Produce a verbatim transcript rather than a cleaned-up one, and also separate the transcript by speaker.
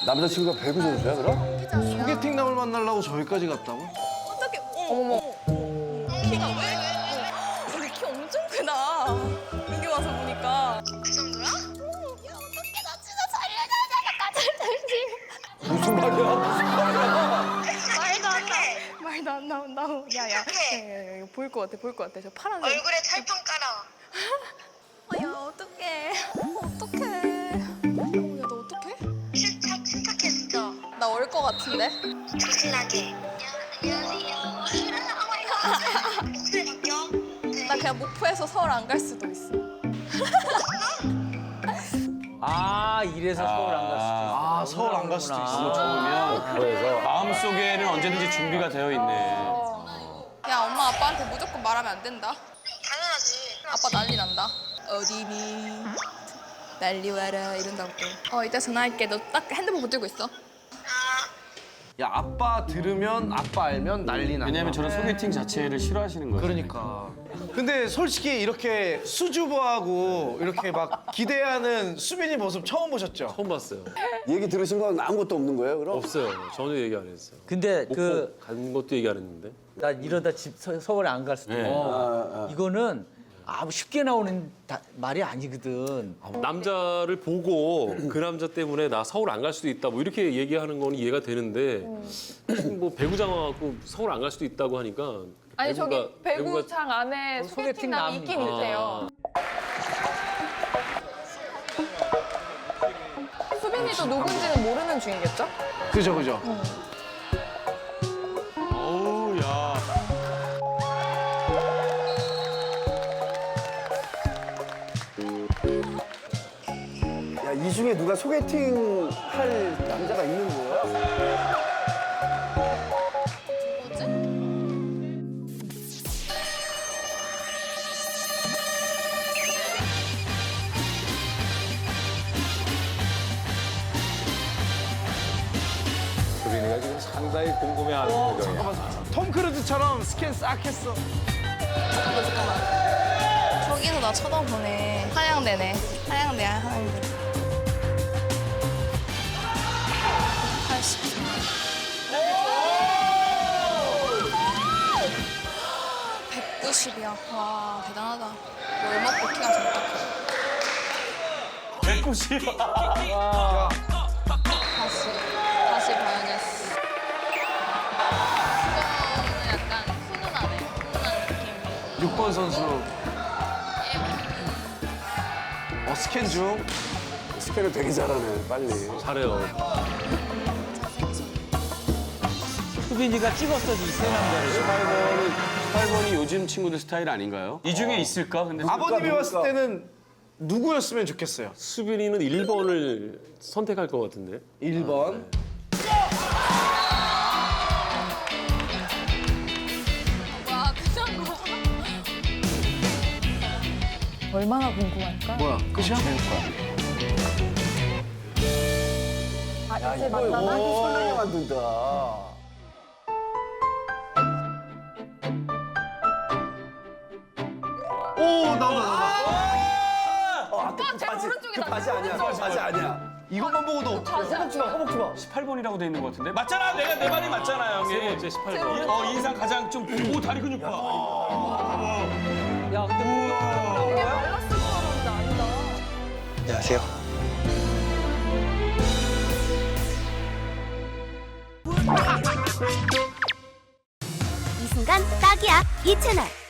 Speaker 1: 남자친구가 배구 선수야 그럼?
Speaker 2: 소개팅 남을 만나려고 저기까지 갔다고?
Speaker 3: 어떻게? 어머머. 키가 왜? 우리 키 엄청 크다. 여기 와서 보니까.
Speaker 4: 그 정도야? 야 어떡해 나 진짜 살려줘. 잠깐
Speaker 1: 무슨 말이야 무슨 말이야?
Speaker 3: 말도 안 나. 말도 안 나온다. 야야. 야, 이거 보일 것 같아. 보일 것 같아. 저 파란색.
Speaker 4: 얼굴에 철판 깔아.
Speaker 3: 어, 야 어떡해. 어떡해. 어, 야 너 어떡해?
Speaker 4: 실착 실착했어.
Speaker 3: 나 올 것 같은데?
Speaker 4: 조신하게. 안녕하세요. 오 마이 갓. 목소리 바뀌어? 네.
Speaker 3: 나 그냥 목포에서 서울 안 갈 수도 있어.
Speaker 5: 아 이래서 서울 안 갈 수도 있어.
Speaker 2: 아 서울 안 갈 수도 있어.
Speaker 1: 그래서
Speaker 6: 마음속에는 언제든지 준비가 되어 있네.
Speaker 3: 야 엄마 아빠한테 무조건 말하면 안 된다.
Speaker 4: 당연하지.
Speaker 3: 아빠 난리 난다. 어디니? 난리 와라 이런다고 또. 어 이따 전화할게. 너 딱 핸드폰 붙들고 있어.
Speaker 2: 야 아빠 들으면 아빠 알면 난리 난다.
Speaker 6: 왜냐면 저런 소개팅 자체를 싫어하시는 거예요.
Speaker 2: 그러니까. 근데 솔직히 이렇게 수줍어하고 이렇게 막 기대하는 수빈이 모습 처음 보셨죠?
Speaker 6: 처음 봤어요.
Speaker 1: 얘기 들으신 건 아무것도 없는 거예요 그럼?
Speaker 6: 없어요. 전혀 얘기 안 했어요.
Speaker 5: 근데
Speaker 6: 목포
Speaker 5: 그
Speaker 6: 간 것도 얘기 안 했는데.
Speaker 5: 나 이러다 집 서, 서울에 안 갈 수도
Speaker 6: 네.
Speaker 5: 있고.
Speaker 1: 아, 아.
Speaker 5: 이거는 아무 쉽게 나오는 다- 말이 아니거든.
Speaker 6: 남자를 보고 그 남자 때문에 나 서울 안 갈 수도 있다 뭐 이렇게 얘기하는 건 이해가 되는데 뭐 배구장 와갖고 서울 안 갈 수도 있다고 하니까
Speaker 7: 아니
Speaker 6: 배구가-
Speaker 7: 저기 배구장 안에
Speaker 5: 어, 소개팅
Speaker 7: 소개팅남이
Speaker 5: 남-
Speaker 7: 있긴 있대요. 수빈이도 누군지는 모르는 중이겠죠?
Speaker 2: 그죠 그죠.
Speaker 6: 어우 야.
Speaker 1: 야, 이 중에 누가 소개팅 할 남자가 있는 거야?
Speaker 8: 수빈이가 지금 상당히 궁금해하는 표정이야.
Speaker 2: 톰 크루즈처럼 스캔 싹 했어.
Speaker 3: 잠깐만 잠깐만. 저기서 나 쳐다보네. 한양대네. 한양대야 한양대. 팔십. 백구십이야. 와 대단하다. 얼마 뽑기가 저렇게 커.
Speaker 6: 백구십.
Speaker 3: 다시 다시 봐야겠어. 이거는 약간 훈훈하네. 훈훈한 느낌.
Speaker 2: 육 번 선수. 어 스캔 중.
Speaker 1: 스캔을 되게 잘하네 빨리.
Speaker 6: 잘해요.
Speaker 5: 수빈이가 찍었어 이세 남자를.
Speaker 6: 십팔 번은 십팔 번이 요즘 친구들 스타일 아닌가요? 이 중에 있을까? 근데
Speaker 2: 아버님이
Speaker 1: 누굴까?
Speaker 2: 봤을 때는 누구였으면 좋겠어요?
Speaker 6: 수빈이는 일 번을 선택할 것 같은데.
Speaker 2: 일 번.
Speaker 3: 와 그냥 거.
Speaker 7: 얼마나 궁금할까?
Speaker 2: 뭐야 끝이야?
Speaker 7: 아 이제 만나나?
Speaker 1: 오, 설레게 만든다.
Speaker 2: 오 나온다 나온다.
Speaker 1: 아, 그 바지, 그 바지 아니야, 그 바지 아니야.
Speaker 2: 이것만 보고도 어떡해.
Speaker 1: 허벅지 봐, 허벅지 봐.
Speaker 6: 십팔 번이라고 돼 있는 것 같은데? 맞잖아! 내가 내 말이 맞잖아, 형이. 세 번째 십팔 번. 어, 인상 가장 좀, 오, 다리 근육 봐.
Speaker 5: 야 근데 뭐
Speaker 7: 되게 말랐을 줄 알았는데 아니다.
Speaker 2: 안녕하세요.
Speaker 9: 이 순간 딱이야 이 채널.